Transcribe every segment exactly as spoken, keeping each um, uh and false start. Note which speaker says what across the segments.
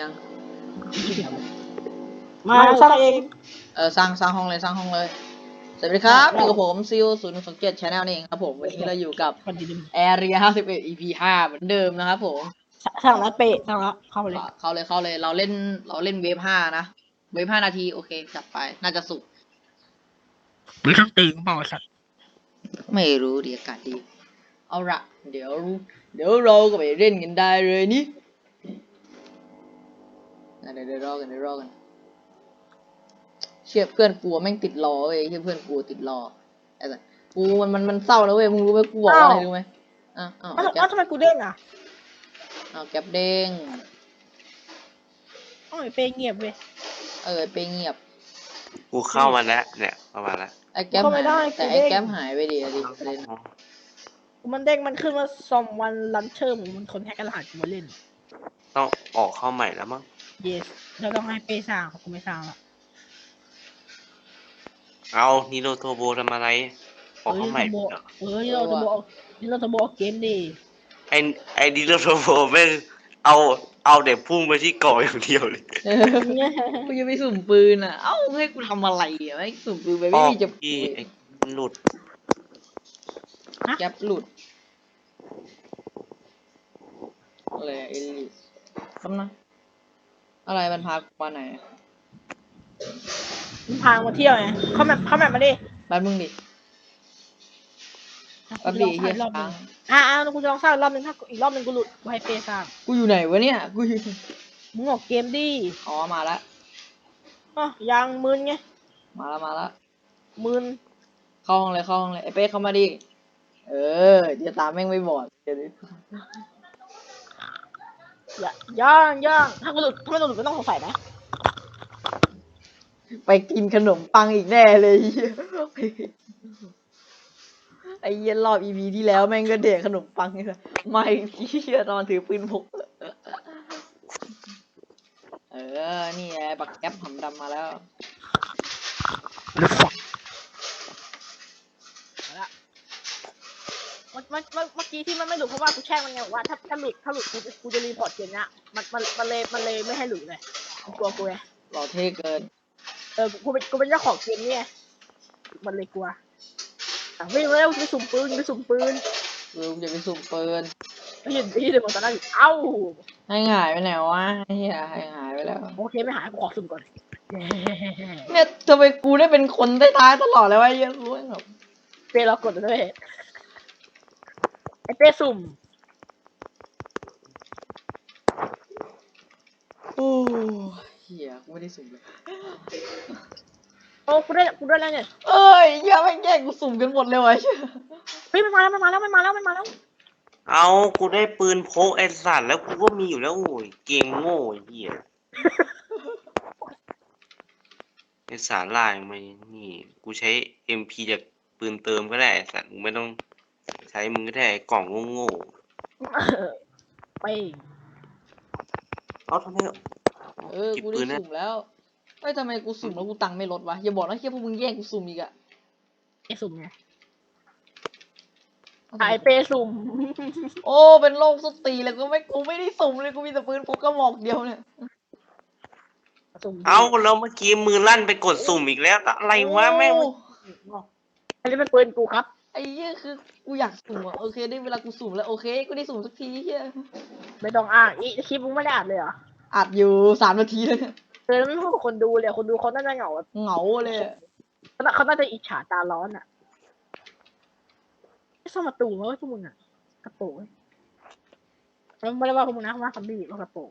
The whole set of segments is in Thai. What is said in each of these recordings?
Speaker 1: ยัง
Speaker 2: มาสร้างเอง
Speaker 1: เออสร้างสร้างห้องเลยสร้างห้องเลยสวัสดีครับอยู่กับผมซิลศูนย์สองเจ็ดชาแนลนี่เองครับผมวันนี้เราอยู่กับแอเรียห้าสิบเอ็ด อี พี ห้าเหมือนเดิมนะครับผม
Speaker 2: สร้างแล้วเปะสร้างแล้วเข้าเลย
Speaker 1: เข้าเลยเข้าเลยเราเล่นเราเล่นเวฟห้านะเวฟห้านาทีโอเคจัดไปน่าจะสุก
Speaker 2: มีเครื่องตีนเปล่าสัตว์
Speaker 1: ไม่รู้ดีอากาศดีเอาละเดี๋ยวเดี๋ยวเราก็ไปเล่นกันได้เลยนี่เดี๋ยวเดี๋ยวรอกันเดี๋ยวรอกันเชื่อเพื่อนกลัวแม่งติดรอเว้ยเชื่อเพื่อนกลัวติดรอไอ้สัสกูมันมันมันเศร้าแล้วเว้ยมึงรู้ไหมกูบอกว่าอะไรรู้ไหมอ้าวอ้าว
Speaker 2: อ้าวทำไมกูเด้งอ่ะ
Speaker 1: อ้าวแก๊ปเด้ง
Speaker 2: อ้าวเปย์เงียบเว้ย
Speaker 1: เออไปเงียบ
Speaker 3: กูเข้ามาแล้วเนี่ยเข้ามาแล้ว
Speaker 1: ไอ้แก๊ปหายแต่ไอ้แก๊ปหายไปดิดิเล่น
Speaker 2: มันเด้งมันขึ้นว่าซอมวันลันเชอร์มันคนแฮกรหัสกูมาเล่น
Speaker 3: ต้องออกเข้าใหม่แล้วมั้ง
Speaker 2: yes เราต้องให้เปย์สร้างกูไม่สร้างละ
Speaker 3: เอานิโรโทโบทำอะไรออกเข้าใหม่
Speaker 2: เออนี่เราจะบอกนี่เราจะบอกเกมดี
Speaker 3: ไอไอนิโรโทโบแม่งเอาเอาเด็กพุ่งไปที่ก่ออย่างเดียวเลย
Speaker 1: กูจะไปสุ่มปืนอ่ะเอ้าให้กูทำอะไรอ่ะไม่สุ่มปืนไปไม่มีจะ
Speaker 3: หลุด
Speaker 1: แก๊ปหลุดอะไรเอลิสคำนะอะไรมันพากูมาไหน
Speaker 2: มันพามาเที่ยวไงเข้าแมปเข้าแมปมาดิ
Speaker 1: บ้านมึงดิบ้านดิเฮียรอบนึง
Speaker 2: อ่าอ่ากูจะลองสร้างรอบนึงถ้าอีกรอบนึงกูหลุดกูให้เปย์สร้าง
Speaker 1: กูอยู่ไหนวะเนี่ยกูอยู่
Speaker 2: มึงออกเกมดิ
Speaker 1: อ๋อมาแล้ว
Speaker 2: อ๋อยังมึนไง
Speaker 1: มาแล้วมาแล้ว
Speaker 2: มึน
Speaker 1: เข้าห้องเลยเข้าห้องเลยไอ้เป๊กเข้ามาดิเออเดี๋ยวตาแม่งไม่บอดเดี๋ยวนี้
Speaker 2: อย่าย่างย่างถ้ากูหลุดถ้าไม่หลุดก็ต้องสงสัยนะ
Speaker 1: ไปกินขนมปังอีกแน่เลยไอ้เย็นรอบอีพีที่แล้วแม่งก็เด็กขนมปังนี่แหละไม่พี่ตอนถือปืนพกเออนี่ไงบักแก๊ปหำดำมาแล้ว
Speaker 2: เมื่อเมื่อเมื่อกี้ที่มันไม่หลุดเพราะว่ากูแช่งมันไงบอกว่าถ้าถ้าหลุดถ้าหลุดกูกูจะรีพอร์ตเกมเนี้ยมันมันมันเลยมันเลยไม่ให้หลุดเลยกูกลัวกูไง
Speaker 1: หล่อเท่เกิน
Speaker 2: เออกูเป็นกูเป็นเจ้าของเกมนี่ไงมันเลยกลัวอ่ะวิ่งแล้วไปสุ่มปืนไปสุ่มปืน
Speaker 1: ลุงจะไปสุ่มปืน
Speaker 2: ไม่เห็นที่เดิมตอนนั้นเอ้า
Speaker 1: ให้หายไปไหนวะเฮียให้หายไปแล้ว
Speaker 2: โอเคไม่หายกูขอสุ่มก่อน
Speaker 1: เนี่ยทำไมกูได้เป็นคนท้ายๆตลอดเลยวะเยอะรู้แบบ
Speaker 2: เป้เรากดด้วยไอเป้สุ่ม
Speaker 1: โอ้เฮียกูไม่ได้สุ่มเลย
Speaker 2: โอ้กูได้กูได้แล้วเนี่ย
Speaker 1: เอ้ยอย่าไปแย่งกูสุ่มกันหมดเลยวะ
Speaker 2: เฮ้ยมันมาแล้วมันมาแล้วมันมาแล้วมันมาแล้ว
Speaker 3: เอากูได้ปืนพกไอ้สัตว์แล้วกูก็มีอยู่แล้วโอ้ยเกมโง่ไอ้เหี้ยไอ้สารลายมานี่กูใช้ เอ็ม พี จากปืนเติมก็ได้ไอ้สัตว์มึงไม่ต้องใช้มึงก็ได้กล่องโง่
Speaker 2: ๆไป
Speaker 3: เอาทำไม
Speaker 1: เออกูได้สุ่มแล้วเฮ้ยทำไมกูสุ่มแล้วกูตังค์ไม่ลดวะอย่าบอกนะแค่พวกมึงแย่งกูสุ่มอีกอะ
Speaker 2: ไอสุ่มไงไอเปสุ่ม
Speaker 1: โอ้เป็นโรคสตีเลยกูไม่กูไม่ได้สุ่มเลยกูมีแต่ปืนพกกระบอกเดียวเนี่ย
Speaker 3: เอาแล้วเมื่อกี้มือลั่นไปกดสุ่มอีกแล้วอะไรวะแม่ง
Speaker 2: อันนี้เป็นปืนกูครับ
Speaker 1: ไอ้เหี้ยคือกูอยากสุ่มอ่ะโอเคได้เวลากูสุ่มแล้วโอเคกูได้สุ่มสักทีเหี้ย
Speaker 2: ไม่ต้องอ่านอีคลิปมึงไม่ได้อ่านเลยเหรอ
Speaker 1: อัดอยู่สามนาทีเลย
Speaker 2: เออแล้วไม่พูดกับคนดูเลยคนดูเขาน่าจะเหงา
Speaker 1: เหงาเลย
Speaker 2: เขาเขาน่าจะอิจฉาตาร้อนอ่ะไม่ซ่อมประตูมั้ยพวกมึงอ่ะกระโปงแล้วไม่ได้ว่าพวกมึงนะว่าคำบี้ว่ากระโปง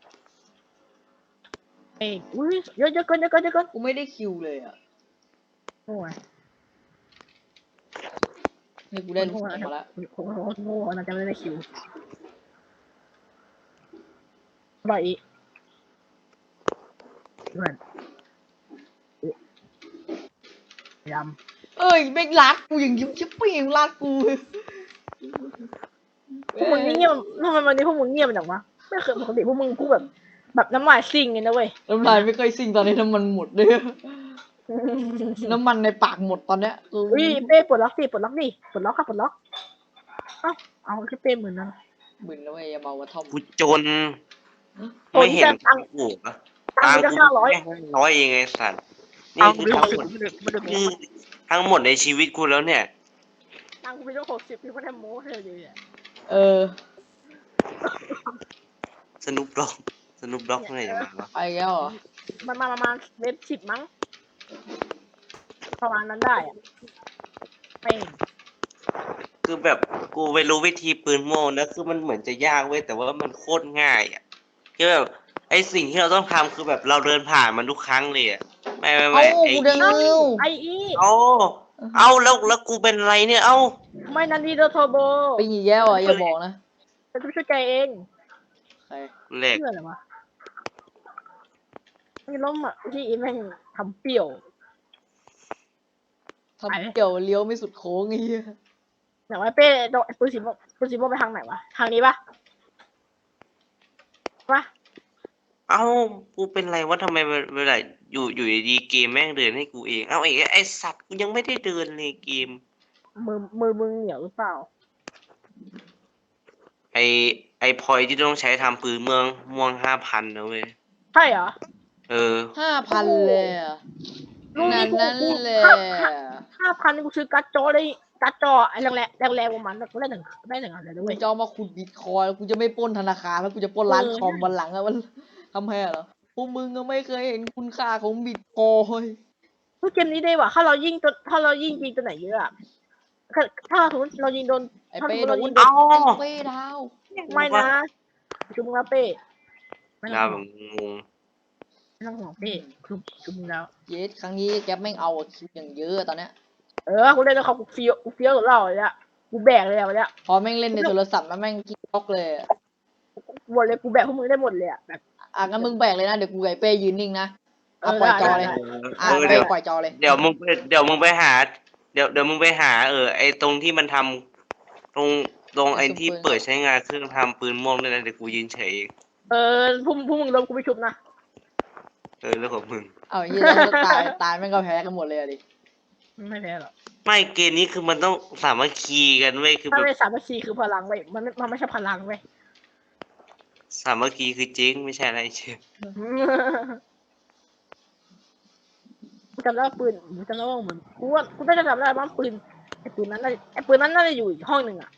Speaker 2: เอ้ยอุ้ยเยอะเยอะเกินเยอะเกินเยอะเกิน
Speaker 1: กูไม่ได้คิวเลยอ่ะ
Speaker 2: โอ้ย
Speaker 1: นี่กูได้ลูกมาแล้ว
Speaker 2: โอ้โหโง่น่าจะไม่ได้คิวบ่อยอีกเพื่อนยำ
Speaker 1: เอ้ยแม่งรักกูอย่างยิ้มชิบปี้ยังรักกู
Speaker 2: พวกมึงเงียบทำไมวันนี้พวกมึงเงียบจังวะไม่เคยปกติพวกมึงพูดแบบแบบน้ำลายซิ่งไงนะเว้ย
Speaker 1: น้ำลายไม่เคยซิ่งตอนนี้น้ำมันหมดเลยน้ำมันในปากหมดตอนเนี้ย
Speaker 2: อุ้ยเป้ปลดล็อกสิปลดล็อกดิปลดล็อกครับปลดล็อกเอ้าเอาคือเป้เหมือนนั่น
Speaker 1: มึนแล้วไอ้เบากระท่อม
Speaker 3: กูจน
Speaker 2: โอ้
Speaker 3: ไม่
Speaker 2: ย
Speaker 3: เห็น
Speaker 2: แต่ตังค์
Speaker 3: กูปะ
Speaker 2: ตังค์
Speaker 3: ตัง
Speaker 2: กู
Speaker 3: ค์
Speaker 2: จะ
Speaker 3: กู
Speaker 2: ห้าร้อย
Speaker 3: แค่ห้าร้อยเองไงสัตว์นี่
Speaker 2: ตังค์กู
Speaker 3: คือ
Speaker 2: มี
Speaker 3: ทั้ง
Speaker 2: ห
Speaker 3: ห
Speaker 2: ก
Speaker 3: ม
Speaker 2: สิ
Speaker 3: ด
Speaker 2: บไม่ได้ไม่ได้โม้
Speaker 3: คือทั้งหมดในชีวิตกูแล้วเนี่ย
Speaker 2: ตังค์กูมีต้องหกสิบพี่ไม่ได้โม้เลยเลยอ่ะ
Speaker 1: เออ
Speaker 3: สนุปด็อกสนุปด็อกเมื่อไหร่จะมาวะ
Speaker 1: ไปแล้วเหรอ
Speaker 2: มันมาประมาณเว็บสิบมั้งประมาณนั้นได้อะเป้ง
Speaker 3: คือแบบกูไปรู้วิธีปืนโม่นะคือมันเหมือนจะยากเว้ยแต่ว่ามันโคตรง่ายอ่ะคือแบบไอสิ่งที่เราต้องทำคือแบบเราเดินผ่านมันทุกครั้งเลยอ่ะไม่ไม่
Speaker 1: เอ้า
Speaker 3: ไม่ไอ
Speaker 1: กูเดิน
Speaker 2: เอ้า
Speaker 1: เอ้า
Speaker 2: ไออี
Speaker 3: เอาเอาแล้วแล้วกูเป็นอะไรเนี่ยเอ้า
Speaker 2: ไม่นันดีโดโทโบ
Speaker 1: ไปอีกแล้วอ่ะอย่าบอกนะ
Speaker 2: จะช่วยแกเอง
Speaker 1: ใคร
Speaker 3: แหลก
Speaker 2: เชื่ออะไรวะไม่ล้มอ่ะที่อีแม่งทำเปรี้ยว
Speaker 1: ทำเกี่ยวเลี้ยวไม่สุดโค้งไอ้เหี้ย
Speaker 2: แต่ว่าเป้โดนปืนสีม่วงปืนสีม่วงไปทางไหนวะทางนี้ปะวะ
Speaker 3: เอ้ากูเป็นไรวะทำไมเวลาอยู่อยู่ดีๆเกมแม่งเดินให้กูเองเอ้าไอ้ไอสัตว์กูยังไม่ได้เดินเลยเกม
Speaker 2: มือมือมึงเหนียวหรือเปล่า
Speaker 3: ไอไอพอยที่ต้องใช้ทำปืนเมืองม่วงห้าพันนะเว้ย
Speaker 2: ใช่เหรอ
Speaker 3: เออ
Speaker 1: ห้าพันเลยอ่ะ
Speaker 2: ลูก
Speaker 1: นั่
Speaker 2: นี่
Speaker 1: น
Speaker 2: กู
Speaker 1: นั่น
Speaker 2: กู
Speaker 1: แหละ
Speaker 2: ห้าพันนี่กูซื้อการ์ดจอได้การ์ดจอไอ้แรงแรงแรงแรงประมาณกูได้หนึ่งได้หนึ่งอันเลยด้
Speaker 1: กู
Speaker 2: วย
Speaker 1: จะเอามาขุดบิตคอยน์กูจะไม่ปล้นธนาคารแล้วกูจะปล้นร้าน
Speaker 2: เออ
Speaker 1: คอมวันหลังอะมันทำไมอะเหรอพวกมึงก็ไม่เคยเห็นคุณค่าของบิตคอยน์
Speaker 2: เฮ้ยเกมนี้ได้ว่ะถ้าเรายิงตัวถ้าเรายิงยิงตัวไหนเยอะอะถ้าถ้าสมมติเรายิงโดน
Speaker 1: ไอ้
Speaker 2: ถ้าส
Speaker 1: เป้
Speaker 2: มมติ
Speaker 1: โด
Speaker 2: เรา
Speaker 1: น
Speaker 2: ยิง
Speaker 1: ไอ้
Speaker 2: โดน
Speaker 3: เอา
Speaker 1: เป้ดาว
Speaker 2: ไม่นะจุ่มแล้วเป้ไม่ต้
Speaker 3: ดา
Speaker 2: อ
Speaker 3: ว
Speaker 2: ง
Speaker 3: แบ
Speaker 2: ห่วง
Speaker 3: บงง
Speaker 2: ไม่ต้องห่วงเป้จุ่มจุ่มแล้ว
Speaker 1: เยสครั้งนี้แกปแม่งเอาคิวอย่างเยอะอะตอนเนี้ย
Speaker 2: เออกูเล่นแล้วเขากูเฟี้ยวกูเฟี้ยวกับเราเลยอะกูแบกเลยอะวันเนี้ย
Speaker 1: พอแม่งเล่นในโทรศัพท์แล้วแม่งกิ๊กก๊อกเลยอะ
Speaker 2: กูบอกเลยกูแบกพวกมึงได้หมดเลยอะแบบ
Speaker 1: อ่ะงั้นมึงแบกเลยนะเดี๋ยวกูกับไอ้เป้ยืนนิ่งนะ
Speaker 2: เอ
Speaker 1: อ่ะ
Speaker 2: อ
Speaker 1: ปล่อย
Speaker 2: ได้
Speaker 1: จอ
Speaker 2: ได้
Speaker 1: เลย
Speaker 2: ได้
Speaker 1: อ่ะ
Speaker 3: เออ
Speaker 1: เป้
Speaker 3: เดี๋ยว
Speaker 1: ปล่อยจอเลย
Speaker 3: เดี๋ยวมึงไปเดี๋ยวมึงไปหา เดี๋ยวเดี๋ยวมึงไปหาเออไอตรงที่มันทำตรงตรงไอที่เปิดใช้งานเครื่องทำปืนม่วงด้วยนะเดี๋ยวกูยืนเฉยเอง
Speaker 2: เออพวกพวกมึงลงกูไปชุบนะ
Speaker 3: เออแล้วของมึง
Speaker 1: เอาอย่างนี้แล้วตายตายแม่งก็แพ้กันหมดเลยอะดิ
Speaker 2: ไม่แพ้หรอก
Speaker 3: ไม่เกมนี้คือมันต้องสามัคคีกันเว้ยคือ
Speaker 2: ถ้า
Speaker 3: แบบ
Speaker 2: ไม่สามัคคีคือพลังเว้ยมันไม่มันไม่ใช่พลังเว้ย
Speaker 3: สามัคคีคือจริงไม่ใช่อะไรเชฟ
Speaker 2: กูจำได้ว่าปืนกูจำได้ว่าเหมือนกูว่ากูได้จะจำได้ว่าปืนไอ้ปืนนั้นน่าไอ้ปืนนั้นน่าจะอยู่อีกห้องหนึ่งอะ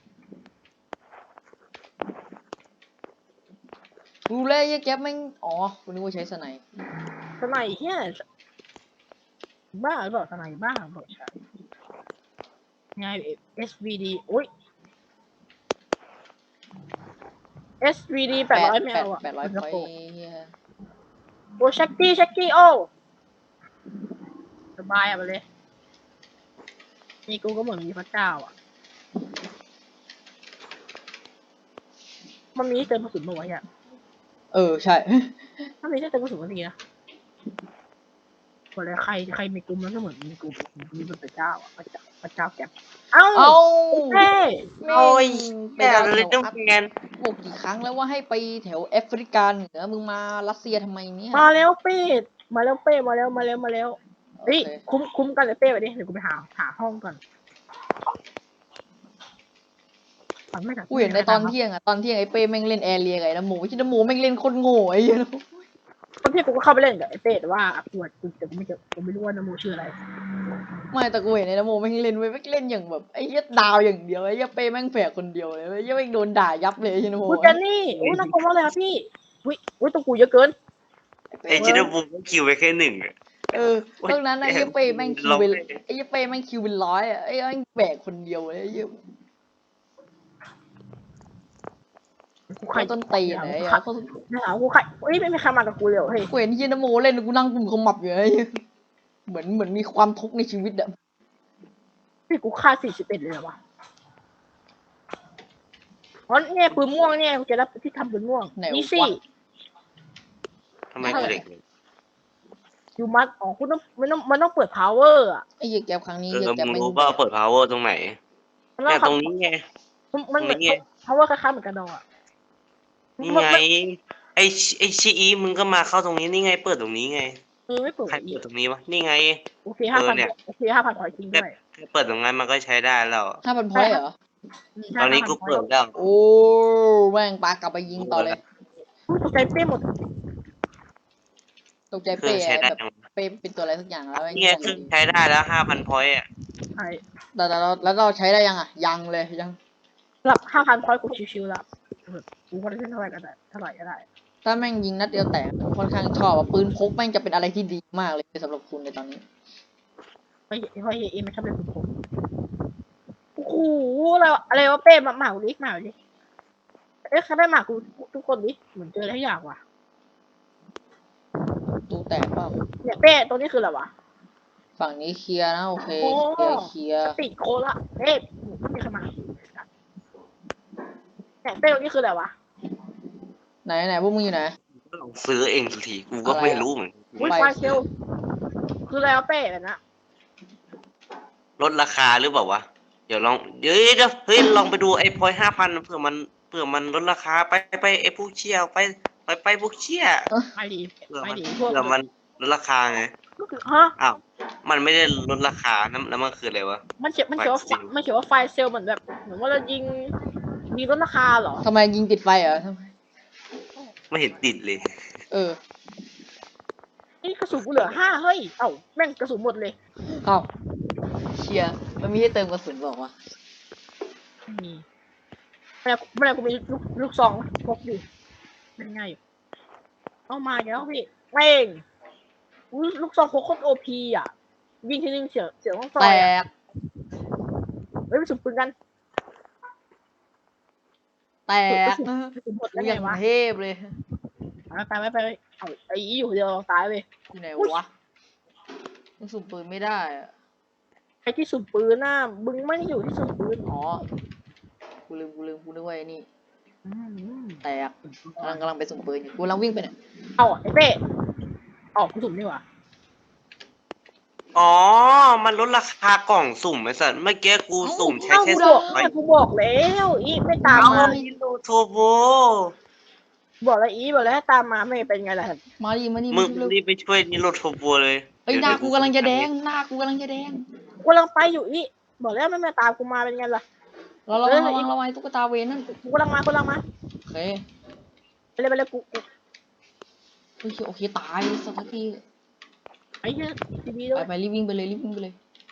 Speaker 1: รู้เลยไอ้แก๊ปแม่งอ๋อกูนึกว่าใช้สไนป์
Speaker 2: สไนเฮียบ้าหรือเปล่าสไนบ้าหรือเปล่าใช่ไง เอส วี ดี โอ้ย เอส วี ดี แปดร้อยไม่
Speaker 1: แปด
Speaker 2: เอาอะ
Speaker 1: แปดร้อย
Speaker 2: มัน
Speaker 1: พ
Speaker 2: จะ
Speaker 1: อย
Speaker 2: โกง
Speaker 1: เหี้ย
Speaker 2: โอ้เช็คกี้เช็คกี้โอ้สบายอะไปเลยนี่กูก็เหมือนมีพระเจ้าอ่ะ มันมีให้เติมกระสุนมาไว้อ่ะ
Speaker 1: เออใช่
Speaker 2: ถ้ามีให้เติมกระสุนก็ดีนะบอกเลยใครใครมีกลุ่มแล้วก็เหมือนมีกลุ่มมีพระเจ้าอ่ะพระเจ้าพระเจ้าแกเอ้า
Speaker 1: เอา
Speaker 2: เฮ้
Speaker 1: แม่
Speaker 3: โอ้ย
Speaker 1: งไป
Speaker 3: แต่
Speaker 1: ดาว
Speaker 3: เล
Speaker 1: แถ
Speaker 3: ยว ต้อง
Speaker 1: อัพ
Speaker 3: แงน
Speaker 1: บอกกี่ครั้งแล้วว่าให้ไปแถวแอฟริกาเหนือมึงมารัสเซียทำไมเนี่ย
Speaker 2: มาแล้วเป้มาแล้วเป้มาแล้วมาแล้วมาแล้ว
Speaker 1: โอ
Speaker 2: เฮ้ย
Speaker 1: เค
Speaker 2: คุ้มคุ้มกันเลยเป้ไปดิเดี๋ยวกูไปหาหาห้องก่อนฟังไม่ทั
Speaker 1: กูเห็นในตอนเที่ยงอะตอนเที่ยงไอ้เป้แม่งเล่นแอร์เรียกับไอ้น้ำหมูที่น้ำหมูแม่งเล่นโคนโง่ไอ้เหี้ย
Speaker 2: ตอนที่กูก็เข้าไปเล่นกับไอ้เป้แต่ว่ากูกูแต่กูไม่เจอกูไม่รู้ว่าน้ำมูชื่ออะไร
Speaker 1: ไม่แต่กูเห็นไอ้น้ำหมูแม่งเล่นไว้ยแม่งเล่นอย่างแบบไอ้เหี้ยดาวอย่างเดียวไอ้เหี้ยเป้แม่งแฝกคนเดียวเลยไอ้เหี้ยแม่งโดนด่ายับเลยไอ้น้ำหมู
Speaker 2: กูเจนนี่โอ้ยน่ากลัวมากเลยครับพี่อุ้ยอุ้ยตัวกูเยอะเกิน
Speaker 3: ไอจินบูมก็คิวไปแค่หนึ่งอะ
Speaker 1: เออตรงนั้นไอ้เหี้ยเป้แม่งคิวเป็นไอ้เหี้ยเป้แม่งคิวเป็นร้อยอะไอ้เหี้ยแม่งแบกคนเดียวเลยไอ้เหี้ย
Speaker 2: กูใคร
Speaker 1: เขาต้นตีนไหน
Speaker 2: กู
Speaker 1: อะ
Speaker 2: ขัด
Speaker 1: เขา
Speaker 2: ไม่หากูใครเฮ้ยไม่มีใครมากับกูเลยเหรอเฮ้ย
Speaker 1: กูเห็นที่น้ำหมูเล่นกูนั่งกุมขมับอยู่ไอ้เหี้ยเหมือนเหมือนมีความทุกข์ในชีวิตอะ
Speaker 2: พี่กูฆ่าสี่สิบเอ็ดเลยเหรอวะอ๋อเนี่ยปืนม่วงเนี่ยกูจะรับที่ทำปืนม่วง
Speaker 1: ไหน
Speaker 2: นี่
Speaker 1: วะ
Speaker 2: สิ
Speaker 3: ทำไมกูเด็กเลย
Speaker 2: อยู่มัดอ๋อคุณต้องมันต้องมันต้องเปิด power อ่ะ
Speaker 1: ไอ้เหี้ยแก๊ปครั้งนี้
Speaker 3: เอ
Speaker 1: เหี้ย
Speaker 3: อ
Speaker 1: แก๊ป
Speaker 3: มึง
Speaker 1: แม่ง
Speaker 3: รู้ว่าเปิด power ตรงไหน
Speaker 2: มัน
Speaker 3: เนี่ย
Speaker 2: ต้
Speaker 3: ต
Speaker 2: อ
Speaker 3: รง งนี้ไง
Speaker 2: มันเหมือน
Speaker 3: ตรงนี้ไง
Speaker 2: power คล้ายๆเหมือนกันดออ่ะ
Speaker 3: นี่ไง ไอชิไอชีอีมึงก็มาเข้าตรงนี้นี่ไงเปิดตรงนี้ไง
Speaker 2: เออไม่เปิด
Speaker 3: ใคร
Speaker 2: อี
Speaker 3: เปิ
Speaker 2: ก
Speaker 3: ดตรงนี้วะนี่ไง
Speaker 2: โอเคห้าพัน
Speaker 3: เออเนี่ย
Speaker 2: โอเคห้าพันขอจริงด้วย
Speaker 3: แค่เปิดตรงนั้นมันก็ใช้ได้แล้ว
Speaker 1: ห้าพันพอยต์เหรอ
Speaker 2: ม
Speaker 3: ตอนนี้กูเปิดแล้ว
Speaker 1: โอ้แม่งปากลับไปยิงต่อเลย
Speaker 2: ตกใจเป้หมด
Speaker 1: ตกใจ
Speaker 3: เครื่
Speaker 1: เป้
Speaker 3: องใช้ได้
Speaker 1: แบบเป้เป็นตัวอะไรสักอย่างแล้วไอ้
Speaker 3: เนี่ยเครื่องใช้ได้แล้วห้าพันพอยต์อ่ะ
Speaker 2: ใช่
Speaker 1: แต่แต่เราแล้วเราใช้ได้ยังอ่ะยังเลยยัง
Speaker 2: สำหรับห้าพันพอยต์กูชิวๆแล้วกูก็ได้เล่นเท่าไหร่ก็ได้เท่าไหร่ก็ได้
Speaker 1: ถ้าแม่งยิงนัดเดียวแตกค่อนข้างชอบอะปืนพกแม่งจะเป็นอะไรที่ดีมากเลยสำหรับคุณในตอนนี้
Speaker 2: ไม่ไม่เอ็มไม่ชอบเล่นสุดผมโอ้โหอะไรวะอะไรวะเป้มาหมากูดิหมากูดิเอ๊ะเขาได้หมากูทุกคนดิเหมือนเจออะไรอย่างว่ะ
Speaker 1: ตู้แตกเปล่า
Speaker 2: เนี่ยเป้ตรงนี้คืออะไรวะ
Speaker 1: ฝั่งนี้เคลียร์นะโอเค
Speaker 2: โอ้
Speaker 1: เคลียร์เคลียร์
Speaker 2: ติดโคละเป้ไม่มีใครมาเนี่ยเป้ตรงนี้คืออะไรวะ
Speaker 1: ไหนไหนพวกมึงอยู่ไหน
Speaker 3: ลองซื้อเองสักทีกูก็ไม่รู้เหมือนกัน
Speaker 2: อุ้ย
Speaker 1: ไฟ
Speaker 2: ไฟเซลคืออะไรวะเป้แบบนั้น
Speaker 3: ลดราคาหรือเปล่าวะเดี๋ยวลองเดี๋ยวเดี๋ยวเฮ้ยลองไปดูไอ้พอยห้าพันเผื่อมันเผื่อมันลดราคาไปไปไอ้พวกเชี่ยไปไปไปพวกเชี่ย
Speaker 2: ไปดี
Speaker 3: เผื่อ
Speaker 2: ไป
Speaker 3: มัน
Speaker 2: ดีพวก
Speaker 3: เผื่อมันลดราคาไง
Speaker 2: ฮะ
Speaker 3: อ้าวมันไม่ได้ลดราคานั่นแล้วมันคืออะไรวะ
Speaker 2: มันเขียนมันเขียนว่า
Speaker 3: ไฟเซล
Speaker 2: มันเขียนว่าไฟเซลเหมือนแบบเหมือนว่าเรายิงยิงลดราคาเหรอ
Speaker 1: ทำไมยิงติดไฟเหรอทำไม
Speaker 3: ไม่เห็นติดเลย
Speaker 1: เออ
Speaker 2: นี่กระสุนกูเหลือห้าเฮ้ยเอ้าแม่งกระสุนหมดเลย
Speaker 1: เอ้าเชียร์มันมีให้เติมกระสุนบอกว่า
Speaker 2: มีไม่ได้ไม่ได้กูมีลูกลูกซองพกอยู่เป็นไงอยู่เอามาอีกแล้วพี่แม่งอุ๊ยลูกซองพกโคตรโอพีอ่ะยิงทีนึงเสียเสียต้องซอ
Speaker 1: แต
Speaker 2: ยอ่ะ
Speaker 1: ก
Speaker 2: เฮ้ยไปสุดปืนกัน
Speaker 1: แตก
Speaker 2: กระสุนหมด
Speaker 1: กู
Speaker 2: แล้ว
Speaker 1: อ
Speaker 2: ไง
Speaker 1: ย่าง
Speaker 2: วะ
Speaker 1: เทพเลย
Speaker 2: ไปไปไปไปเอาไอ้อีอยู่คนเดียวตายไป
Speaker 1: อยู่ไหนวะมันสุ่มปืนไม่ได้อะ
Speaker 2: ไอ้ที่สุดปืนน่ะมึงไม่ได้อยู่ที่สุดปืน
Speaker 1: อ๋อกูลืมกูลืมกูนึกว่าไอ้นี่
Speaker 2: อืม
Speaker 1: แตกกำลังกำลังไปสุ่มปืนอยู่กูกำลังวิ่งไปเนี่ย
Speaker 2: เอาไอ้เป้ออกกูสุ่มดีกว่า
Speaker 3: อ๋อมันลดราคากล่องสุ่มไอ้สัตว์เมื่อกี้กูสุ่มใช้
Speaker 2: เอ้า
Speaker 3: แค่
Speaker 2: กู
Speaker 3: ส
Speaker 2: บ
Speaker 3: อ
Speaker 2: อง ก
Speaker 3: ใบ
Speaker 2: กูบอกแล้วอีไม่ตาม
Speaker 3: เอา
Speaker 2: มา
Speaker 3: ฮิโรโทโบ
Speaker 2: บอกแล้วอีบอกแล้วให้ตามมาไม่เป็นไงล่ะ
Speaker 1: มาดิมาดิ
Speaker 3: มึ
Speaker 1: มาง เร็ว
Speaker 3: รีบไปช่วยนิโรโทโบเลย
Speaker 1: เฮ้ยหน้ากูกำลังจะแดงหน้ากูกำลังจะแดง
Speaker 2: กูกำลังไปอยู่อีบอกแล้วไม่มาตามกูมาเป็นไงล่ะ
Speaker 1: เราระวังระวังระวังตุ๊กตาเวนนั่น
Speaker 2: กูกำลังมากูกำลังมา
Speaker 1: โอเค
Speaker 2: ไปเลยไปเลยกูกู
Speaker 1: โอเคโอเคตายสักที
Speaker 2: ไอ้เหี้ยทีวีด้ว
Speaker 1: ไป
Speaker 2: ย
Speaker 1: ไปรีบวิ่งไปเลยรีบวิ่งไปเลย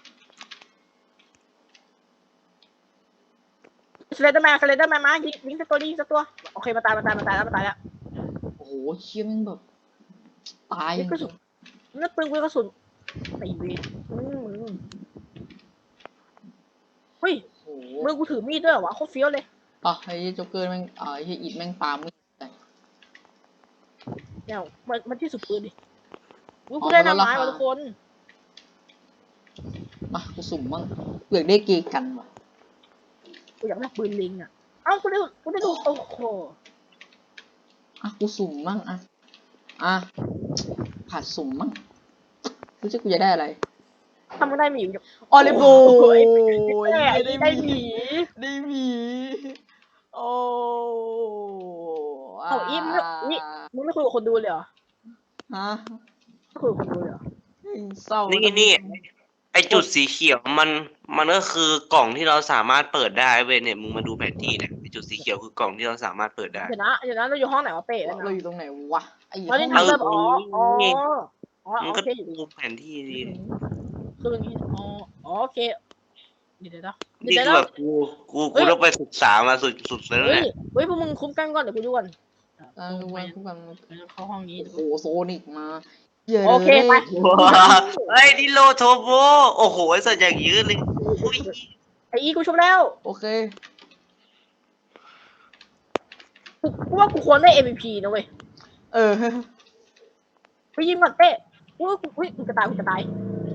Speaker 2: สเลเดอร์แมนสเลเดอร์แมนมายิงยิงสักตัวยิงสักตัวโอเคมาตายมาตายมาตายแล้วมาตายแล้ว
Speaker 1: โอ้โหเชี่ยแม่งแบบตายจริง
Speaker 2: นั่นปืนกูกระสุนไอ้เวทอืมเฮ้ย
Speaker 1: โอ้โห
Speaker 2: มือกูถือมีดด้วยเหรอวะโคตรเฟี้ยวเลย
Speaker 1: อ่ะไอ้โจ๊กเกอร์แม่งอ่าไอ้อิดแม่งปามีดใส่
Speaker 2: เนี่ยมันมันที่สุดปืนดิอุ๊ยกูได้หน้าไม้ว่ะทุกคน
Speaker 1: มากูสุ่มมั่งเปลือกได้เกยกันว่ะ
Speaker 2: กูอยากได้ปืนลิงอ่ะเอ้ากูได้กูได้ดูโอ้โห
Speaker 1: อ่ะกูสุ่มมั่งอ่ะอ่ะผัดสุ่มมั่งรู้จักกูจะได้อะไร
Speaker 2: ทำไม่ได้หมีอยู่
Speaker 1: ออลิโบ
Speaker 2: โอ้ย
Speaker 1: ย
Speaker 2: ได้
Speaker 1: ได้
Speaker 2: ได้
Speaker 1: ห
Speaker 2: ห
Speaker 1: มี
Speaker 2: มี
Speaker 1: ได้หมีโอ้
Speaker 2: เอาอีมนี่มึงไม่คุยกับคนดูเลยเหรอ
Speaker 1: ฮะ
Speaker 2: ไม่คุยกับคนดูเลยเหรอ
Speaker 1: เศร้า
Speaker 3: นี่
Speaker 1: นี่
Speaker 3: นี่ไอจุดสีเขียวมันมันก็คือกล่องที่เราสามารถเปิดได้เว้ยเนี่ยมึงมาดูแผนที่เนี่ยไอจุดสีเขียวคือกล่องที่เราสามารถเปิดได้
Speaker 2: เดี๋ยวนะเดี๋ยวนะเราอยู่ห้องไหนวะเป้แล้ว
Speaker 1: เรา
Speaker 2: นะ
Speaker 1: อยู่ตรงไหนวะไอ้
Speaker 2: ตอนนี้
Speaker 1: ห้อง
Speaker 2: ทำเริ่มอ๋ออ๋ออ๋อ
Speaker 3: มึง
Speaker 2: โอ
Speaker 3: ก็
Speaker 2: เคอยู่
Speaker 3: ดูแผนที่ดี
Speaker 2: คืออย่างนี้อ๋อโอเคเดี๋ยวเดี๋ยว
Speaker 3: นี่
Speaker 2: เดี๋ยว
Speaker 3: คือแบบกูกูกูต้องไปศึกษามาสุดสุดเลย
Speaker 2: เฮ้ย
Speaker 3: เนี่ย
Speaker 2: เฮ้ยพวกมึงคุ้มกันก่อนเดี๋ยวกูดูก่อน
Speaker 1: อ่าทุกวันทุกวัน
Speaker 2: เข้าห้องนี้
Speaker 1: โอ้โหโซนิกมา
Speaker 2: โอเคไป
Speaker 3: ว้าวเฮ้ยนิโรโทโบโอ้โหไอสัตว์อย่างยืดเลยอุ้ย
Speaker 2: ไอ้อีกูชมแล้ว
Speaker 1: โอเค
Speaker 2: กูว่ากูควรได้ เอ็ม วี พี นะเว้ย
Speaker 1: เออ
Speaker 2: ไปยิงก่อนเต้อุ้ยอุ้ยกูจะตายกูจะตาย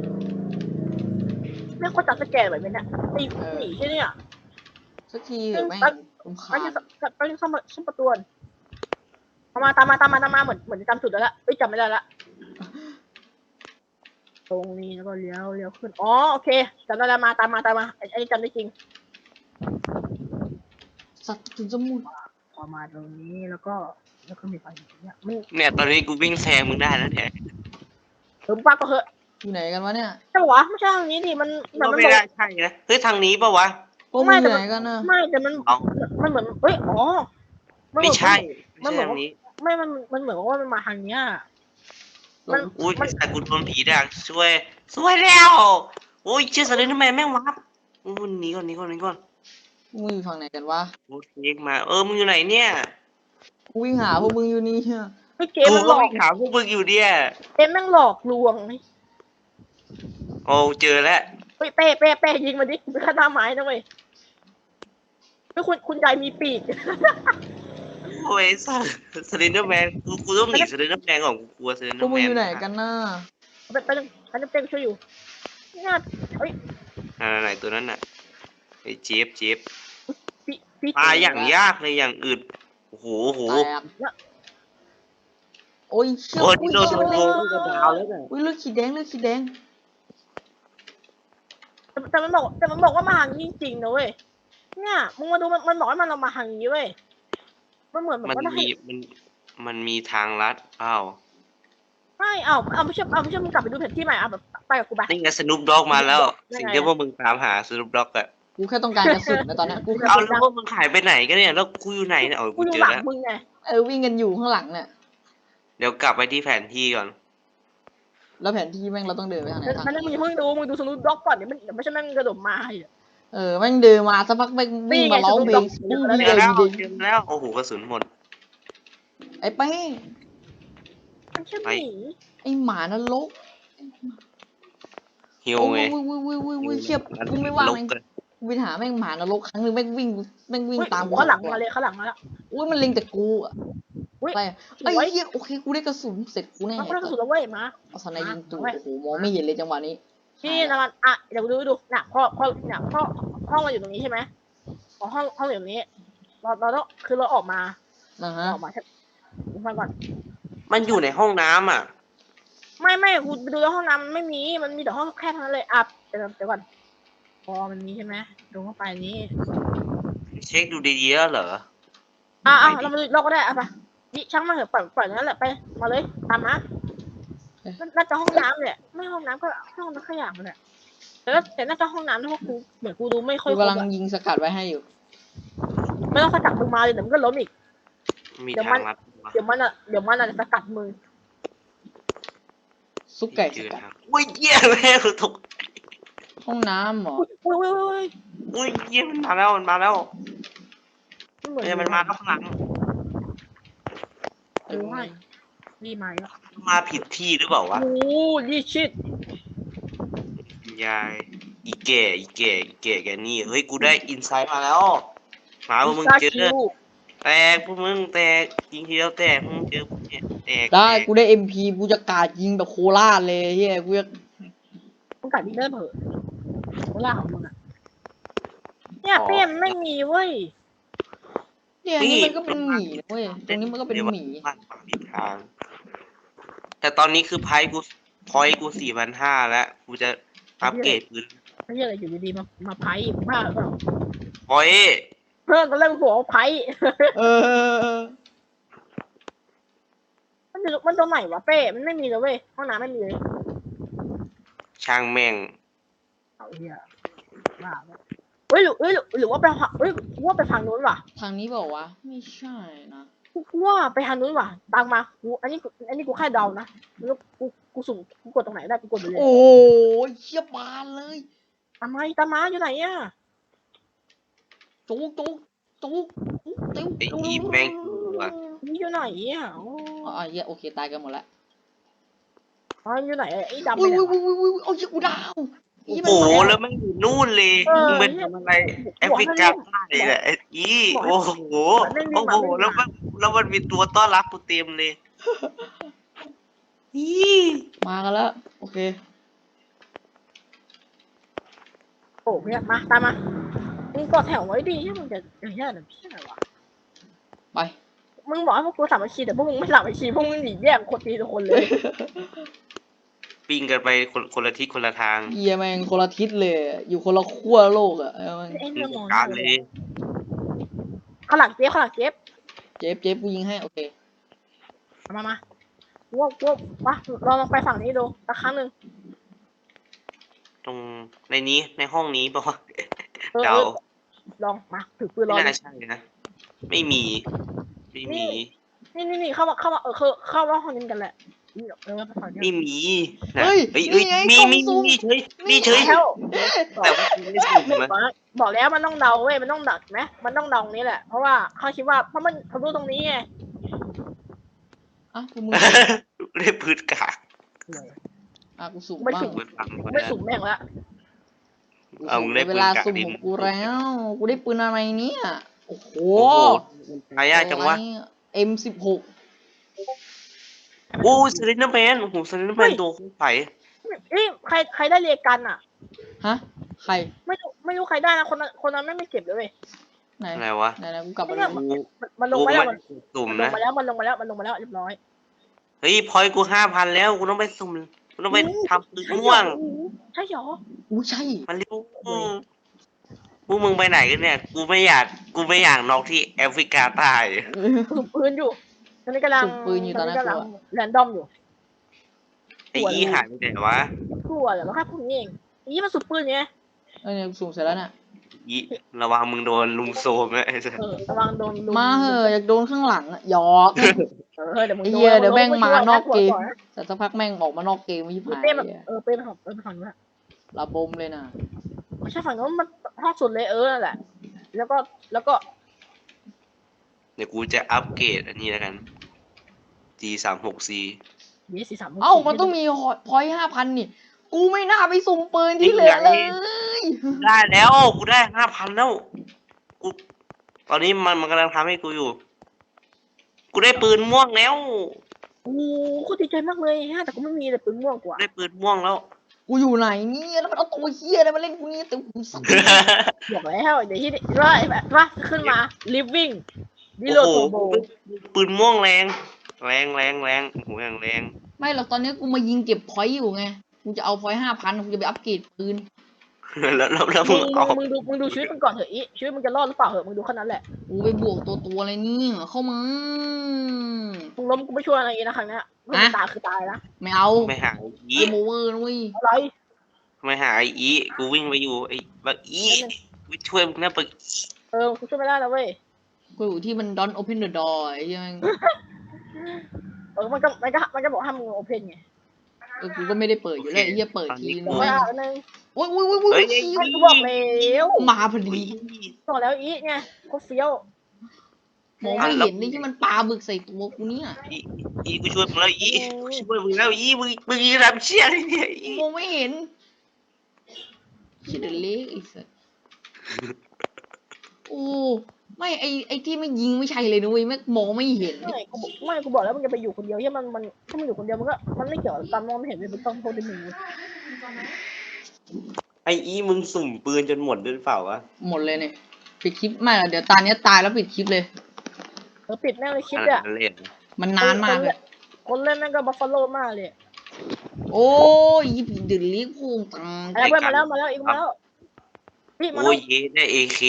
Speaker 2: แม่งโคตรจับสแกนแบบนี้เนี่ยไอ้หนีใช่เนี่ย
Speaker 1: สักทีเถอะแม่งรำ
Speaker 2: ไป
Speaker 1: คาญ
Speaker 2: ที่ไปที่ซ่อมซ่อมประตูตามมาตามมาตามมาตามมาเหมือนเหมือนจำจุดแล้วละเอ้ยจำไม่ได้ละตรงนี้แล้วก็เลี้ยวเลี้ยวขึ้นอ๋อโอเคจำได้แล้วมาตามมาตามมาไอ้นี่จำได้จริง
Speaker 1: สัตว์ถึงจะมุด
Speaker 2: พอมาตรงนี้แล้วก็แล้วก็มีไฟอย่างเงี้ยมัน
Speaker 3: เนี่ยตอนนี้กูวิ่งแซงมึงได้แล้วเนี่ย
Speaker 2: เติมปากก็เหอะ
Speaker 1: อยู่ไหนกันวะเนี่ย
Speaker 2: ใช่ปะวะไม่ใช่ทางนี้ดิมันแต่
Speaker 3: ก็
Speaker 2: มัน
Speaker 3: ไม่
Speaker 2: บอก
Speaker 3: ได้ใช่นะเฮ้ยทางนี้ปะวะ
Speaker 1: พวกมึงอยู่ไหนกันนะ
Speaker 2: ไม่แต่มัน
Speaker 3: เอา
Speaker 2: มันเหมือนเอ้ยอ๋อ
Speaker 3: ไม่ใช่
Speaker 2: มั
Speaker 3: ไม่
Speaker 2: นเหมือน
Speaker 3: ใช่ทางนี้
Speaker 2: ไม่มันมันเหมือนว่ามันมาทางเนี้ย มัน
Speaker 3: อุ้ยแต่กูโดนผีดักช่วยช่วยแล้วโอ้ยเชื่อสเลยทำไมแม่งวับอู้หนีก่อนหนีก่อนหนีก่อน
Speaker 1: มึงอยู่ฝั่งไหนกันวะ
Speaker 3: โอ้เทคมาเออมึงอยู่ไหนเนี่ย
Speaker 1: กูวิ่งหาพวกมึงอยู่นี่เฮีย
Speaker 2: ไอ้เกม
Speaker 3: กู
Speaker 2: มันหล
Speaker 3: ก็
Speaker 2: อก
Speaker 3: ไปหาพวกมึงอยู่เนี่ย
Speaker 2: เกมแม่งหลอกลวง
Speaker 3: โอ้เจอแล้ว
Speaker 2: เฮ้ยเป้เป้เป้ยิงมาดิเป็นข้าตาไม้นะเว้ยเฮ้ยคุณคุณยายมีปีก
Speaker 3: โอ้ยสัสสเลนเดอร์แมนกูกูต้องหนีสเลนเดอร์แมนก่อนกูกลัวสเลนเด
Speaker 1: พ
Speaker 3: อ
Speaker 1: วก
Speaker 3: ร์
Speaker 1: มึ
Speaker 3: แม
Speaker 1: ง
Speaker 3: น
Speaker 1: อยู่ไหนกันน่ะ
Speaker 2: ไปไปหนึ่งอันนี้เป้ช่วยอยู่เนี่ยเฮ้ย
Speaker 3: อ่าไหนตัวนั้นน่ะไอ้เจฟเจฟ
Speaker 2: ปีปี
Speaker 3: ปลาอย่างยากเลยอย่างอึดโอ้โหโอ้โห
Speaker 1: แตกโอ้ยเชี่ย
Speaker 3: โอ้ย
Speaker 1: อุ้ย
Speaker 3: โดน
Speaker 1: เชี่ย
Speaker 3: โดน
Speaker 1: เลื
Speaker 3: โด
Speaker 1: อด
Speaker 3: นกับดาวแล้วน่ะ
Speaker 1: อุ้ยเลือดขีดแดงเลือดขีดแดง
Speaker 2: แต่แต่มันบอกแต่มันบอกว่ามาทางนี้จริงๆนะเว้ยเนี่ยมึงมาดูมันมันบอกให้มันเรามาทางนี้เว้ยมันเหมือนแบบ
Speaker 3: มัน
Speaker 2: ว่าได้
Speaker 3: มีมันมันมีทางลัดอ้าว
Speaker 2: ไม่เอาเอาไม่ใช่เอาไม่ใช่มึงกลับไปดูแผนที่ใหม่เอาแบบไปกับกูไป
Speaker 3: นี่ไงสนุปด็อกมาแล้ว
Speaker 2: ยังไง
Speaker 3: สิ่งที่พวกมึงตามหาสนุปด็อกอะ
Speaker 1: กูแค่ต้องการกระสุนนะตอนเนี้ยกูแค่
Speaker 3: เอาแล้วพวกมึงหายไปไหนกันเนี่ยแล้วกูอยู่ไหนเนี่ยเอา
Speaker 2: กู
Speaker 3: กู
Speaker 2: อยู่
Speaker 3: เจอ
Speaker 2: หลัง
Speaker 3: แล้ว
Speaker 2: มึงไง
Speaker 1: เออวิ่งกันอยู่ข้างหลังเนี่ย
Speaker 3: เดี๋ยวกลับไปที่แผนที่ก่อน
Speaker 1: แล้วแผนที่แม่งเราต้องเดินไปทางไหนทาง
Speaker 2: มันมึงอย่าเพิ่งดูมึงดูสนุดด็อกก่อนเดี๋ยวมันเดี๋ยวไม่ใช่แม่งกระโดดมาอีก
Speaker 1: เออแม่งเดินมาสักพักแม่งวิ่งมาร้องเพลง
Speaker 2: นี่
Speaker 1: ปุ้ง
Speaker 2: ไง
Speaker 1: วิ่ง
Speaker 3: เจ
Speaker 1: เล
Speaker 3: อย แล้ว
Speaker 1: ดี
Speaker 3: เจอแล้วโอ้โหกระสุนหมด
Speaker 1: ไอ้แป้ง
Speaker 2: มันใช่หมี
Speaker 1: ไอ้หมานรก
Speaker 3: ฮิว
Speaker 1: โอ้
Speaker 3: ไง
Speaker 1: ยวุ้ยวุ้ยวุ้ยวุ้ยวุ้ยเชียบกูไม่ว่าง
Speaker 3: ล
Speaker 1: แม่ง
Speaker 3: กัน
Speaker 1: กูไปหาแม่งหมานรกครั้งหนึ่งแม่งวิ่งแม่งวิ่ง
Speaker 2: อุ๊ย
Speaker 1: ตามกู
Speaker 2: เขาหลังมาเลยเขาหลังมาแล้ว
Speaker 1: อุ้ยมันเล็งแต่กูอะ
Speaker 2: อุ๊ย
Speaker 1: ไป
Speaker 2: สวย
Speaker 1: ไอ้เหี้ยโอเคกูได้กระสุนเสร็จกูแน่
Speaker 2: มันก็ได้กระสุนแล้วเว้ยมา
Speaker 1: เอาสไนยิงตูด
Speaker 2: มา
Speaker 1: โอ้โหมองไม่เห็นเลยจังหวะนี้
Speaker 2: พี่นะมันอ่ะเดี๋ยวดูดูน่ะพ่อพ่อเนี่ยพ่อห้องเราอยู่ตรงนี้ใช่ไหมอ๋อห้องห้องอยู่ตรงนี้เราเราต้องคือเราออกมา
Speaker 1: นะฮะ
Speaker 2: ออกมาใช่ฟังก่อน
Speaker 3: มันอยู่ในห้องน้ำอ่ะ
Speaker 2: ไม่ไม่กูไปดูในห้องน้ำมันไม่มีมันมีแต่ห้องแค่เท่านั้นเลยอ่ะเดี๋ยวเดี๋ยวก่อนพอมันมีใช่ไหมดูเข้าไปนี้
Speaker 3: เช็คดูดีๆแล้วเหรอ
Speaker 2: อ่ะอ่ะ
Speaker 3: ไม่ดิ
Speaker 2: เรามาดูเราก็ได้อ่ะไปนี่ช่างมาเถอะปล่อยปล่อยนั่นแหละไปมาเลยตามมาน่าจะห้องน้ำเนี่ยไม่ห้องน้ำก็ห้องน้ำขยะมันแหละแต่น่าแต่น่าจะห้องน้ำที่พวกกูเหมือนกูดูไม่ค่อย
Speaker 1: กู
Speaker 2: ครบ
Speaker 1: กำลัง
Speaker 2: อะ
Speaker 1: ยิงสกัดไว้ให้อยู่
Speaker 2: ไม่ต้องสกัดมึงมาเลยเดี๋ยวมันก็ล้มอีก
Speaker 3: มี
Speaker 2: เดี๋ยว
Speaker 3: ทา
Speaker 2: มั
Speaker 3: ง
Speaker 2: น
Speaker 3: ลัดมา
Speaker 2: เดี๋ยวมันอ่ะเดี๋ยวมันอ่ะจะสกัดมึง
Speaker 1: ซุปไก่
Speaker 3: เจ
Speaker 1: ส
Speaker 3: อ
Speaker 1: กัด
Speaker 3: ทางอุ้ยเหี้ยแม่งตก
Speaker 1: ห้องน้ำเหรอ
Speaker 2: อุ้ยอุ้ยอุ้ยอุ้ย
Speaker 3: อุ้ยเหี้ยมันมาแล้วมันมาแล้ว
Speaker 2: มันเหมือน
Speaker 3: เนี่ยมันมาแล้วข้างหลัง
Speaker 2: ดูให้รีมาแล้ว
Speaker 3: มาผิดที่หรือเปล่าวะ
Speaker 2: โอ้ยี่ชิด
Speaker 3: ยายอีแก่อีแก่อีแก่แกนี่เฮ้ยกูได้อินไซต์มาแล้วหมาพวกมึงเจอ
Speaker 2: คิว
Speaker 3: แตกพวกมึงแตกยิงทีเดียวแตกพวกมึงเจอพวกเนี่ยแตก
Speaker 1: ได้
Speaker 3: แตก
Speaker 1: กูได้เอ็มพีกูจะกราดยิงแบบโคราชเลยเฮียกูจะ
Speaker 2: มึงกัดดินเนอร์เผอะโคล่าของมึงอ่ะเนี่ยเปี้ยมไม่มีเว้ย
Speaker 1: เนี่ยอันนี้มันก็เป็นหมีนะเว้ยตรงนี้มันก็เป็นหมี
Speaker 3: บ้านฝั่งทิศทาง แต่ตอนนี้คือไพ่กูพอยกูสี่พันห้าแล้วกูจะอัปเกรดปืน
Speaker 2: ไม่ใช่อะไรอยู่ดีๆมามาไพ่บ้าหรือเปล่า
Speaker 3: พอย
Speaker 2: เพื่อนตอนแรกมันบอกว่าไพ่
Speaker 1: เออ
Speaker 2: มันอยู่มันตรงไหนวะเป้มันไม่มีเลยเว้ยห้องน้ำไม่มีเลย
Speaker 3: ช่างแม่ง
Speaker 2: เอาเหี้ยบ้าเว้ยเฮ้ยหรือเฮ้ยหรือหรือว่าไปทางเฮ้ยกูว่าไปทางนู้นว่ะ
Speaker 1: ทางนี้บอกว่าวะไม่ใช่นะ
Speaker 2: กูว่าไปทางนู้นว่ะตามมากูอันนี้กูอันนี้กูแค่เดานะแล้วกูกูสุ่มกูกดตรงไหนได้กูกดไปเลย
Speaker 1: โอ้ยเชี่ยบานเลย
Speaker 2: ตามมาตามมาอยู่ไหนอ่ะ
Speaker 1: จุกจุกจุกจุกติ้ว
Speaker 3: ไอ้อีแม่งกูอะ
Speaker 2: นี่อยู่ไหนอ่ะโอ้
Speaker 1: อ่ะเฮียโอเคตายกันหมดแล้ว
Speaker 2: อ๋ออยู่ไหนไอ้ดำไป
Speaker 1: อุ้ย
Speaker 2: ไหน
Speaker 1: อุ้ยว
Speaker 2: ะ
Speaker 1: อุ้ยอุ้ยอุ้ยเอาเชี่ยกูดาว
Speaker 3: โอ้โหแล้วมันอยู่นู่นเลย
Speaker 2: เออ
Speaker 3: มึงเป็นทำอะไรแอฟริกาใต้แหละไอ้อีโอ้โหโอ้โหแล้วมันแล้วมันมีตัวต้อนรับกูเต็มเลยอี
Speaker 1: มากันแล้วโอเค
Speaker 2: โอ้เนี่ยมาตามมามึงกดแถวไว้ดิที่มึงจะอย่างเงี้ยนะพี่อะไรวะ
Speaker 1: ไป
Speaker 2: มึงบอกให้พวกกูสามัคคีแต่พวกมึงไม่สามัคคีพวกมึงหนีแยกคนตีทุกคนเลย
Speaker 3: ปิ้งกันไปคนคนละทิศคนละทาง
Speaker 1: เฮียแม่งคนละทิศเลยอยู่คนละขั้วโลกอ่ะเออแม่ง
Speaker 2: ไอ้เรื่องมอง
Speaker 3: การเลย
Speaker 2: ข้างหลังเจ๊บข้างหลังเจ๊บ
Speaker 1: เจ็บเจ็บกูยิงให้โอเค
Speaker 2: มามาว้าวว้าววะเราลองไปฝั่งนี้ดูสักครั้งหนึ่ง
Speaker 3: ตรงในนี้ในห้องนี้ป่าวะ
Speaker 2: เออ
Speaker 3: เดา
Speaker 2: ลองมาถือปืนร
Speaker 3: ไม่
Speaker 2: อ
Speaker 3: น่าใช่นะไม่มีไม่มี
Speaker 2: นี่นี่นี่เข้ามาเข้ามาเออคือเข้ามาห้องนี้กันแหละนี่เออไปฝั่งนี้
Speaker 3: ไม่มีนะ
Speaker 1: เฮ้ย
Speaker 3: เฮ้ยเฮ้ย
Speaker 1: นี่ไง
Speaker 3: มี
Speaker 1: กล่อง
Speaker 3: มี
Speaker 1: สุ่ม
Speaker 3: มีเฉยมีเฉย
Speaker 2: แล้ว
Speaker 3: แต่ว่ากูไม่สุ่มนะ
Speaker 2: บอกแล้วมันต้องเดาเว้ยมันต้องดักไหมมันต้องเดาตรงนี้แหละเพราะว่าเขาคิดว่าเพราะมันเขารู้ตรงนี้ไง
Speaker 1: อ่ะกูมึง
Speaker 3: ได้พืชกาก
Speaker 1: อ่ะกูสุ่ม
Speaker 2: ไม่
Speaker 1: บ้าง
Speaker 2: สุ่ม
Speaker 3: กูฟังกู
Speaker 2: ไม่
Speaker 3: นะ
Speaker 2: สุ่มแม่งละ
Speaker 3: เอามึงได้
Speaker 1: เวลา
Speaker 3: ปืนกาก
Speaker 1: สุ่ม
Speaker 3: ดิน
Speaker 1: ของกูแล้วกูได้ปืนอะไรเนี่ยโอ้โห
Speaker 3: โอ้โหหายากจังวะ
Speaker 1: เอ็มสิบหก
Speaker 3: โอ้สลินเดอร์แมนโอ้โหสลินเดอร์แมนตัวคู่ไผ่
Speaker 2: เอ้ยใครใครได้เรียกันอ่ะ
Speaker 1: ฮะใคร
Speaker 2: ไม่รู้ไม่รู้ใครได้นะคนนั้นคนนั้นไม่ไม่เก็บเลยเว้ย
Speaker 1: ไหน
Speaker 3: อะไรวะ
Speaker 1: ไหนไหนกูกลับมา
Speaker 2: ไม่
Speaker 1: ดู
Speaker 2: ได้
Speaker 3: กู
Speaker 2: มันมันลง
Speaker 3: กู
Speaker 2: มา
Speaker 3: ไม่
Speaker 2: แล้วมัน
Speaker 3: สุ่ม
Speaker 2: มันลง
Speaker 3: นะ
Speaker 2: มาแล้วมันลงมาแล้วมันลงมาแล้วเรียบร้อย
Speaker 3: เฮ้ยพอยกูห้าพันแล้วกูต้องไปสุ่มกูต้องไปทำปืนม่วง
Speaker 2: ใช่เหรอ
Speaker 1: อู้ใช่
Speaker 3: มันเร็วพวกมึงไปไหนกันเนี่ย กูไม่อยากกูไม่อยากนอกที่แอฟริกาใต้
Speaker 2: สุ่มปืนอยู่ตอนนี้กำลัง
Speaker 1: สุ่มปืนอยู่ตอนนั้น
Speaker 2: กำลัง
Speaker 1: กูอะ
Speaker 2: แรนดอมอยู่
Speaker 3: ไอ้ยี่หายไปไหนวะ
Speaker 2: กลัวเหรอว่าแค่พวกนี้เองนี่มันสุ่มปืนไง
Speaker 1: เอ้ยเนี่ยกูสุ่มเสร็จแล้วน่ะ
Speaker 3: ยี่ระวังมึงโดนลุมโซมนะไอ้สัส
Speaker 2: เออระวังโดนลุ
Speaker 1: มาเหอะอยากโดนข้างหลังอะหยอก
Speaker 2: เออเดี๋ยวมึง
Speaker 1: ไอ้
Speaker 2: โด
Speaker 1: เหี้ย
Speaker 2: น
Speaker 1: เดี๋ยวแม่งมานอกเกม
Speaker 2: ก่อนนะ
Speaker 1: แต่สักพักแม่งออกมานอกเกมไม่ยิบหาย
Speaker 2: เป้แบบ
Speaker 1: เลย
Speaker 2: เออเป้ไปฝั่งเออไปฝั่งนู้นอะ
Speaker 1: ระบมเลยนะ
Speaker 2: ไม่ใช่ฝั่งนู้นมันห้องสุดเลยเออนั่นแหละ แล้วก็แล้วก็
Speaker 3: เดี๋ยวกูจะอัปเกรดอันนี้แล้วกัน G สามหก C
Speaker 2: ยี่สี่สาม
Speaker 1: เอ้ามันต้องมีพอยห้าพันนี่ กูไม่น่าไปสุ่มปืนที่เหลือเลย
Speaker 3: ได้แล้วกูได้ห้าพันแล้วกูตอนนี้มันมันกำลังทำให้กูอยู่ กูได้ปืนม่วงแล้ว
Speaker 2: โอ้โหโคตรดีใจมากเลยฮะแต่กูไม่มีเลยปืนม่วงกว่า
Speaker 3: ได้ปืนม่วงแล้ว
Speaker 1: กูอยู่ไหนเนี่ยแล้วมันเอาตัวเฮียอะไรมาเล่นกูเนี่ยแต่กูสัตว์
Speaker 2: บอกแล้วเดี๋ยวที่ว่าแบบว่าขึ้นมา living ดิโล
Speaker 3: โอ้โห
Speaker 2: โตโบ
Speaker 3: ปืนม่วงแรง แรงแรงแรงโอ้โหอย่างแรง
Speaker 1: ไม่หรอกตอนนี้กูมายิงเก็บพอยต์อยู่ไง กูจะเอาพอยต์ห้าพันกูจะไปอัปเกรดปืน
Speaker 3: แล้วแล้วแล้ว
Speaker 2: มึ
Speaker 3: มึ
Speaker 2: ง
Speaker 3: งเอา
Speaker 2: มึงดูมึงดูชีวิตมึงก่อนเถอะอีชีวิตมึงจะรอดหรือเปล่าเหอะมึงดูแค่นั้นแหละ
Speaker 1: กูไปบวกตัวตัวอะไรเนี่ยเข้ามา
Speaker 2: มึงล้มกูไม่ช่วยอะไรอีกนะครั้งเนี้ยไม่มีตายคือตายนะ
Speaker 1: ไม่เอา
Speaker 3: ไม่หาไอ้อี
Speaker 1: เกมโอเวอร์นะเว้ย
Speaker 2: อะไร
Speaker 3: ไม่หาไอ้อีกูวิ่งไปอยู่ไอ้บักอีกูช่วยมึงนะบักอี
Speaker 2: เออกูช่วยไม่ได้นะเว้ย
Speaker 1: กูอยู่ที่มัน don't open the door ไอ้เหี้ยัง
Speaker 2: เออมันก็มันก็มันก็บอกห้ามมึงโอเพนไง
Speaker 1: เออกูก็ไม่ได้เปิดอยู่เลยไอ้เหี้ยเปิดที
Speaker 2: บ
Speaker 1: นึ
Speaker 2: อก
Speaker 1: ง
Speaker 2: ว่าอันนึง
Speaker 1: โอ้ยโอ้ยโอ้ยโอ้ย
Speaker 3: เฮ้ย
Speaker 1: เหี้ย
Speaker 2: กูบอกแล้ว
Speaker 1: มาพอดี
Speaker 2: บอกแล้วอีไงโคตรเฟี้ยว
Speaker 1: มองไม่เห็นนี่ที่มันปาบึกใส่ตัวกูเนี่ย
Speaker 3: อีอีกูช่วยมึงแล้วอีกูช่วยมึงแล้วอีมึงมึงทำเชี่ยอะไรเนี่ยอี
Speaker 1: มองไม่เห็นชิดเล็กไอ้สัสโอ้ไม่ไอไอที่ไม่ยิงไม่ใช่เลยนะเว้ยแม่งมองไม่เห็น
Speaker 2: ไม่กูบอกไม่กูบอกแล้วมึงจะไปอยู่คนเดียวที่มันมันถ้ามันอยู่คนเดียวมันก็มันไม่เกี่ยวกับตามมองไม่เห็นเลยมันต้องโทษที่มึง
Speaker 3: ไออีมึงสุ่มปืนจนหมดด้วยเปล่าวะ
Speaker 1: หมดเลยเนี่ยปิดคลิปไม่หรอกเดี๋ยวตาเนี้ยตายแล้วปิดคลิปเลย
Speaker 2: เออปิดแม่งเลยคลิป
Speaker 3: อัน
Speaker 2: เนี่ย
Speaker 3: นั้นเล่น
Speaker 1: มันนานมากเลย
Speaker 2: คนเล่นแม่งก็บัฟฟาโลมากเลย
Speaker 1: โอ้ยยิบเดือดเลี้ยงพุงตัง
Speaker 2: อะไรเพื่อนมาแล้วมาแล้วอีกมาแล้วพี่มา
Speaker 3: โอ้
Speaker 2: แล้ว
Speaker 3: ยเย้ได้เอเค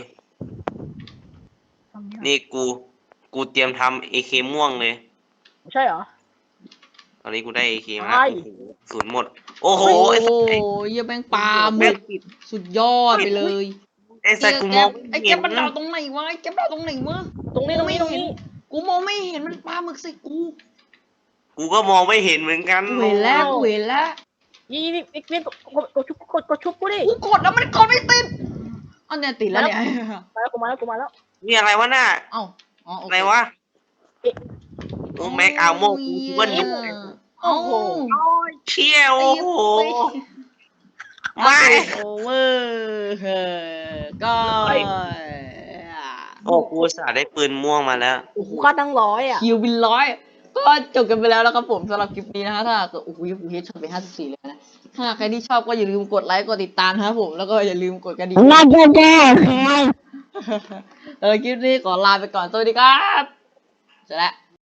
Speaker 3: นี่กู กูเตรียมทำเอเคม่วงเลย
Speaker 2: ใช่เหรอ
Speaker 3: ตอนนี้กูได้เอเคมา
Speaker 2: ใช่
Speaker 3: โอ้โหศูนย์หมด โอ้โห
Speaker 1: โอ้
Speaker 3: ไอ้สัตว์
Speaker 1: ยเหี้ยแม่งปลาหมึกสุดยอดไปเลย
Speaker 3: ไอ้สัตว์กูมอง
Speaker 1: ไอ้
Speaker 3: ไม่
Speaker 1: แก
Speaker 3: เห็น
Speaker 1: มันดาวตรงไหนวะไอ้แกมันดาวตรงไหนวะ
Speaker 2: ตรงนี้ตรงนี้ตรงนี้
Speaker 1: กูมองไม่เห็นมันปลาหมึกใส่กู
Speaker 3: กูก็มองไม่เห็นเหมือนกัน
Speaker 1: กูเห็นแล้วกูเห็นแล้ว
Speaker 2: ยี่นี่นี่นี่กดกดชุบกดกดชุบกูดิ
Speaker 1: กูกดแล้วมันกดไม่ติดอันเนี้ยติดแล้วเนี่ย
Speaker 2: มาแล้วกูมาแล้วกูมาแล้ว
Speaker 3: นี่อะไรวะน่ะ
Speaker 1: เอ้าอ๋อโอ
Speaker 3: อะ
Speaker 1: เค
Speaker 3: ไรวะโอ้แม็กอาโมกูคิดว่าหนุก
Speaker 1: โอ้โห
Speaker 3: เชี่ยวโอ้โห ไม่
Speaker 1: โอเวอร์เฮ้ก็
Speaker 3: โอ้กูสาได้ปืนม่วงมาแล้ว
Speaker 2: โอ้โหค่าตั้งร้อยอ่ะ
Speaker 1: คิวบินร้อยก็จบกันไปแล้วนะครับผมสำหรับคลิปนี้นะฮะถ้าเกิดโอ้โหกูเฮดช็อตไปห้าสิบสี่เลยนะถ้าใครที่ชอบก็อย่าลืมกดไลค์กดติดตามนะครับผมแล้วก็อย่าลืมกดกระดิ่ง
Speaker 2: น่าจะแก้ค่ะ
Speaker 1: เออคลิปนี้ขอลาไปก่อนสวัสดีครับเสร็จแล้ว